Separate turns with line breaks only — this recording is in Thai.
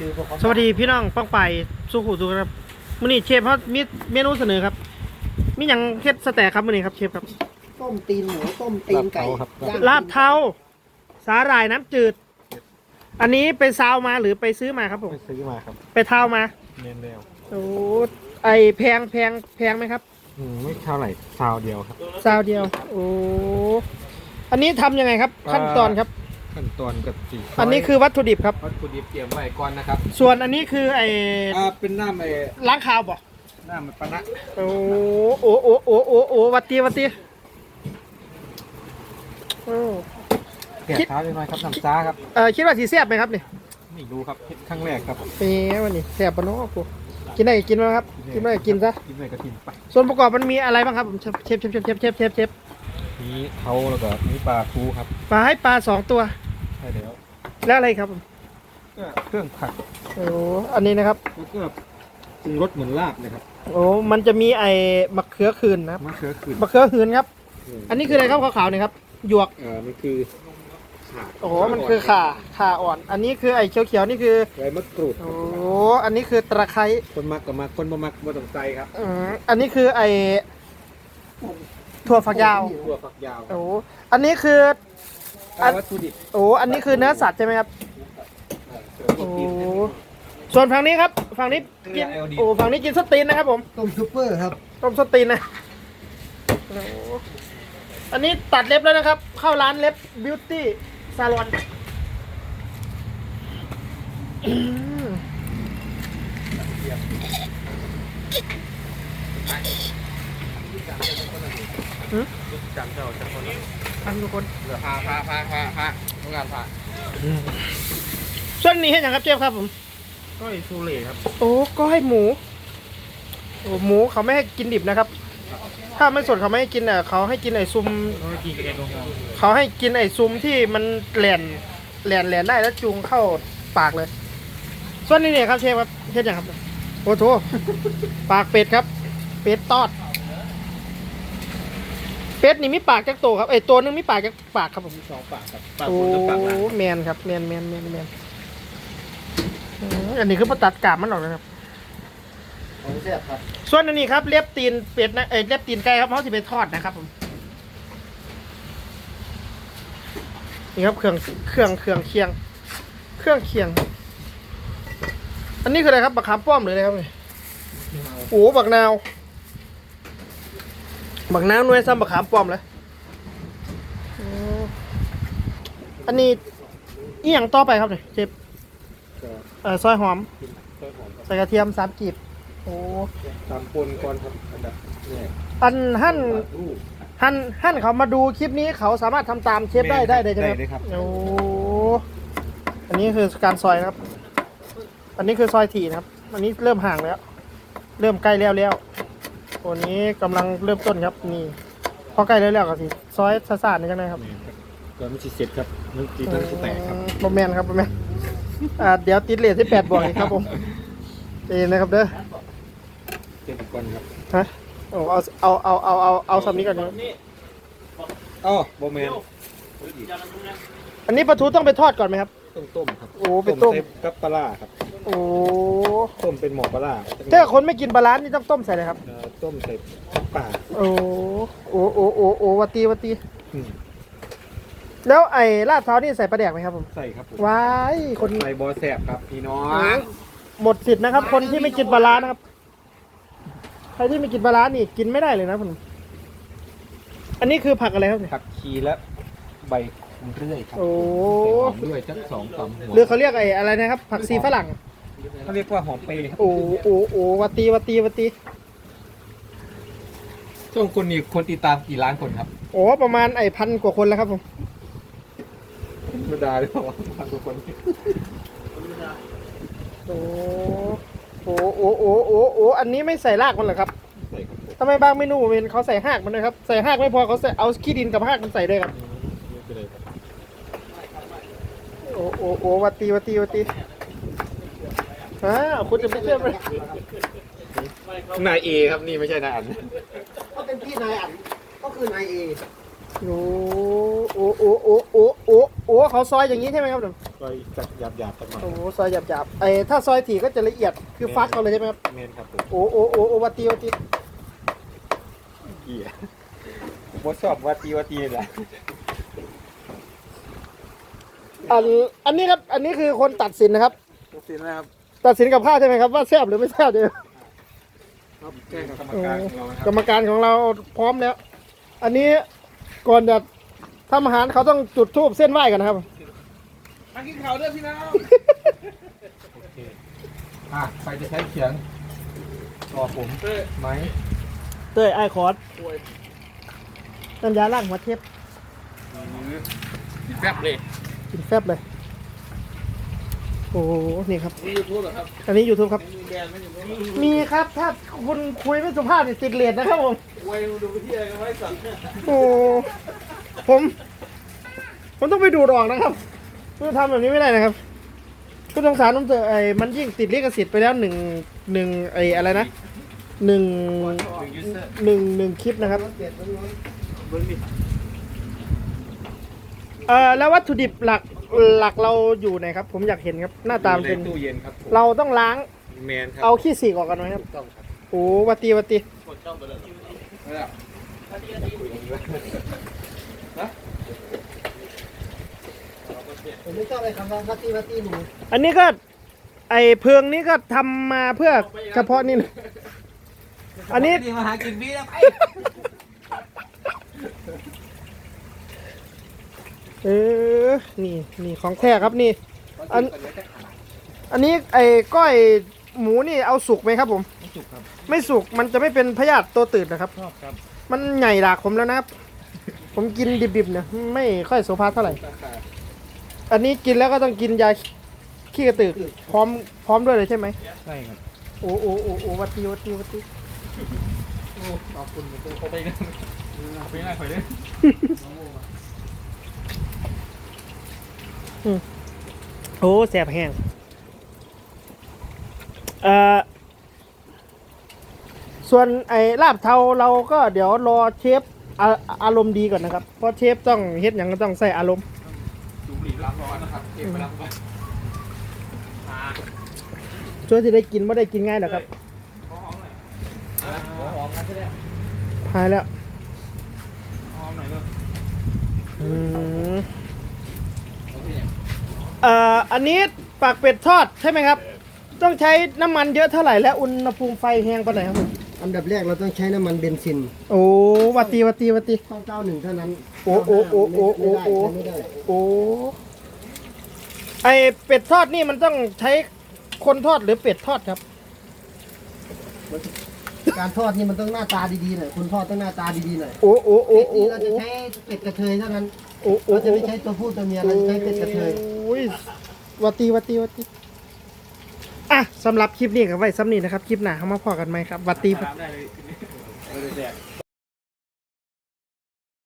ซื้อพวกเขา
สวัสดีพี่น้องป้องไปสู้ขู่สู้ครับมื้อนี้เชฟเขามีเมนูเสนอครับมีอย่างเฮ็ดสแต็กครับมื้อนี้ครับเชฟครับ
ต้มตีนหมูต้มตีนไก่ย่าง
ลาบเทาสาหร่ายน้ำจืด อันนี้ไปซาวมาหรือไปซื้อมาครับผม
ไปซื้อมาครับ
ไปเทามา
เน้นแล้ว
โอ้ไอแพงไหมครับ
ไม่เท่าไหร่ซาวเดียวครับ
ซาวเดียวโอ้อันนี้ทำยังไงครับขั้นตอนครับ
ขั้นตอนกับสี
อันนี้คือวัตถุดิบครับ
วัตถุดิบเตรียมไว้ก่อนนะครับ
ส่วนอันนี้คือไอ
เป็นน้ำ
ล้างคาวบ่
น้ำมันปะนะ
โอ้วัตตีโอ้
แกะเท้าเลยหน่อยครับน้ำซ่าครับ
คิดว่าสีแซ่บไหมครับนี่
ไม่รู้ครับครั้งแรกครับ
เป็นไงวันนี้แซ่บปะเนาะกูกินได้กินไหมครับกินไม่ได้กินซะ
กินไปก็กินไป
ส่วนประกอบมันมีอะไรบ้างครับผมเชฟ
นี้เขาแล้วก็นี้ปลาคูครับ
ปลาให้ปลา2 ตัว
ใช่แล้ว
แล้วอะไรครับผม
ก็เครื่องผัก
โอ้อันนี้นะครับ
แล้วก็ปรุงรสเหมือนลาบเลยครับ
โอ้มันจะมีไอ้มะเขือคืนนะครับ
มะเขือขื่น
มะเขือหืนครับ อันนี้คืออะไรครับขาวๆเนี่ยครับหยวก
มันคือข่า
โอ้มันคือข่าอ่อน อันนี้คือไอ้เขียวๆนี่คือ
ใบมะกรูด
โอ้อันนี้คือตะไคร้
คนมักกับมักคนบ่มักบ่ต้องใจครับ
อันนี้คือไอ้ถั่วฝักยาว
ตัวฝักยาว
โอ้อันนี้คือ
วัตถุดิบ
โอ้อันนี้คือเนื้อสัตว์ใช่ไหมครับ โอ้ส่วนฝั่งนี้ครับ ฝั่งนี้กิน โอ้ ฝั่งนี้กินสตีนนะครับผม
ต้มซุปเปอร์ครับ
ต้มสตีนนะโอ้อันนี้ตัดเล็บแล้วนะครับ เข้าร้านเล็บบิวตี้ซาลอน
จำเจ้าจะคน
อันทุกคน
พาทำงานพา
ส่วนนี้เห็นอย่างครับเจฟครับผม
ก็ไอซูเล่ครับ
โอ้ก็ให้หมูโอ้หมูเขาไม่ให้กินดิบนะครับ ถ้าไม่สดเขาไม่ให้กินอ่ะเขาให้กินไอ้ซุม
ก็กินกับเองตรงกลาง
เขาให้กินไอ้ซุมที่มันแหลนได้แล้วจูงเข้าปากเลย ส่วนนี้เนี่ยครับเชฟครับเฮ็ดอย่างครับ โอ้โหปากเป็ดครับ เป็ดตอด เป็ดนี่มีปากจักโตครับไอ้ตัวนึงมีปากจักปากครับผม
2 ปากครับปาก
โอ้
บนกับปากล่าง
แมนครับแมนอันนี้คือพอตัดกาบมันออกนะครับ
ของแซ่บครับ
ส่วนอันนี้ครับเล็บตีนเป็ดนะเล็บตีนไก่ครับเขาจะไปทอดนะครับผมนี่ครับเครื่องเคียง อันนี้คืออะไรครับบักขามป้อมหรืออะไรครับนี่โอ้บักนาวหน่วยซ้ำบักขามป้อมเลยอันนี้อีหยังต่อไปครับเนี่ยเจ็บซอยหอมใส่กระเทียม3 กีบโอ้
ตามปนก่อนครับอันดับแรก
อันหั่น
รูป
เขามาดูคลิปนี้เขาสามารถทำตามเชฟได้เลยใช่ไหม
ได้ครับ
โอ้อันนี้คือการซอยนะครับ อันนี้คือซอยถี่นะครับ อันนี้เริ่มห่างแล้ว เริ่มใกล้แล้วตัวนี้กำลังเริ่มต้นครับนี่พอใกล้แล้วก็สิซอยซาๆนี่กันนะครับ
ก่อนมันสิเสร็จครับมันตีมันสิแตกครับ
บอมแมนครับบอมแมนเดี๋ยวติดเลทที่8บวกอีกครับผมเองนะครับเด้อ
เจ็บก่อนครับ
ฮะโอ้เอาสำนี้ก่อนนะ
อ๋อโบแมน
อันนี้ปลาทูต้องไปทอดก่อนไหมครับ
ต้มครับ
โอ้ไปต้ม
ใส่กับปลาร้าครับ
โอ้
ต้มเป็นหมอปลาร้า
ถ้าคนไม่กินปลาร้านี่ต้องต้มใส่เลยครับ
ต้มใส่ป่า
โอ้วัตตีแล้วไอ้ลาดเท้านี่ใส่ปลาแดกไหมครับผม
ใส่ครับผม
ว้ายคน
ใส่บอแสบครับพี่น้อง
หมดสิทธิ์นะครับ คนที่ไม่กินปลาร้านะครับใครที่ไม่กินปลาร้านี่กินไม่ได้เลยนะผมอันนี้คือผักอะไรครับเนี่ย
ผักชีและใบคุมเรื่อยครับ
โอ้
หอมด้วยจัก2 ต่ำหัว
หรือเขาเรียกไอ้อะไรนะครับ ผักชีฝรั่ง
เขาเรียกว่าหอมเปรย์ครับ
โอ้วัตตี
ช่วงคนนี้คนติดตามกี่ล้านคนครับ
โอ้ประมาณ1,000 กว่าคนแล้วครับผม
ธรรมดาหรือเปล่าพันกว่าคน
โอ้อันนี้ไม่ใส่รากมันเหรอครับ
ใส่ครับผม
ทำไมบางเมนูเห็นเขาใส่หากมันเลยครับใส่หากไม่พอเขาใส่เอาขี้ดินกับหากมันใส่ด้วยครับ
ไม่เป็นไรครับ
โอ้วัตตีคุณจะไม่เชื่อไหม
นายเอครับนี่ไม่ใช่นายอัน
ก็เป็นพี่นายอันก็คือนายเอ
โอ้เขาซอยอย่างนี้ใช่ไหมครับผม
คซอยจัดหยาบๆสักหน่อย
โอ้โหซอยหยาบๆถ้าซอยถี่ก็จะละเอียดคือฟักเอาเลยใช่ไหมครับ
เมนครับผม
โอ้วัตตี
เกียร์บอชอบวัตีแหละ
อันนี้ครับอันนี้คือคนตัดสินนะครับ
ตัดสินนะครับ
ตัดสินกับข้าวใช่ไหมครับว่าแซ่บหรือไม่แซ่บเดี๋ยว
ครับแจ้งกับกรรมการของเรานะค
กร
รับ
รมการของเราพร้อมแล้ว อันนี้ก่อนจะทำอาหารเขาต้องจุดธูปเส้นไหว้กันนะครับ
มากินข้าวด้วยพี่น้องโอเคใครจะใช้เขียงรอผมไหม
เต้ยไอคอร์สน้ำยาล้างหัวเทป
แซ่บเลย
กินแฟบเลย โอ้โหนี่ครับ
มียูทูบเหรอครับ
อันนี้ยูทูบครับ
มีแบรนด์ไหมอยู่ไหม
มีครับถ้าคุณคุยไม่สุภาพนี่ติดเลทนะครับผม
ไว้ดูไปที่อะไรกันไว้สั่ง
โอ้ผมต้องไปดูดออกนะครับคือทำแบบนี้ไม่ได้นะครับก็สงสารน้องเตอมันยิ่งติดลิขสิทธิ์ไปแล้วหนึ่งอะไรนะหนึ่งคลิปนะครับ
เปลี่ยนร้อน
เบิ้งดิ
แล้ววัตถุดิบหลักเราอยู่ไหนครับ ผมอยากเห็นครับ หน้าตามันเป็น
ตู้เย็นครับผม
เราต้องล้าง
แมนครับ
เอาขี้สีกออกกันไหมครับ
ต้องครับ
โอ้วัตตี
ไม่ได้
ผมไม่ชอบอะไรคำว่าวัตตีหนู
อันนี้ก็เพิงนี้ก็ทำมาเพื่อเฉพาะนี่นะอันนี้
มาหากินพี่แล้วไป
นี่ของแท้ครับนี่ อันนี้ก้อยหมูนี่เอาสุกไหมครับผม
ไม่สุกครับ
ไม่สุกมันจะไม่เป็นพยาธิตัวตืดนะครับ
ชอบครับ
มันใหญ่หลากผมแล้วนะครับ ผมกินดิบๆเนี่ยไม่ค่อยโสภาเท่าไหร่ อันนี้กินแล้วก็ต้องกินยาขี้กระตือกพร้อมด้วยเลยใช่ไหม
ใช่ครับ
โอ้วัตตี
ขอบคุณเขาไปกันไปไหนไปเลย
โอ้แสบแห้งส่วนลาบเทาเราก็เดี๋ยวรอเชฟอารมณ์ดีก่อนนะครับ เพราะเชฟต้องเฮ็ดอย่างก็ต้องใส่อารมณ์
ดูหลีล้างร้อนนะครับเก็บไปล้างไป
ช่วยที่ได้กินไม่ได้กินง่ายหรอกครับ
หอมหน่อยหอมกันใช่ไหม
หายแล้ว
หอมหน่อยเลย
อันนี้ปากเป็ดทอดใช่ไหมครับ ต้องใช้น้ำมันเยอะเท่าไหร่และอุณหภูมิไฟแห้งปานไหนครับผม
อันดับแรกเราต้องใช้น้ำมันเบนซิน
โอ้วัตตี
ต้อง91เท่านั้น
โอ้
ไม่ได้
โอ้เป็ดทอดนี่มันต้องใช้คนทอดหรือเป็ดทอดครับ
การทอดนี่มันต้องหน้าตาดีๆหน่อยคนทอดต้องหน้าตาดีๆหน่อย
โอ้
เป็ดนี่เราจะใช้เป็ดกระเทยเท่านั้นเราจะไม่ใช้ตัวผู้ตัวเมียเราจะใช้เป็ดกระเทย
โอ้ยวัตตีอ่ะสำหรับคลิปนี้กับไว้ซ้ำนี้นะครับ คลิปหน้าเขามาพอกันไหมครับวัตตี
ตามได้เลย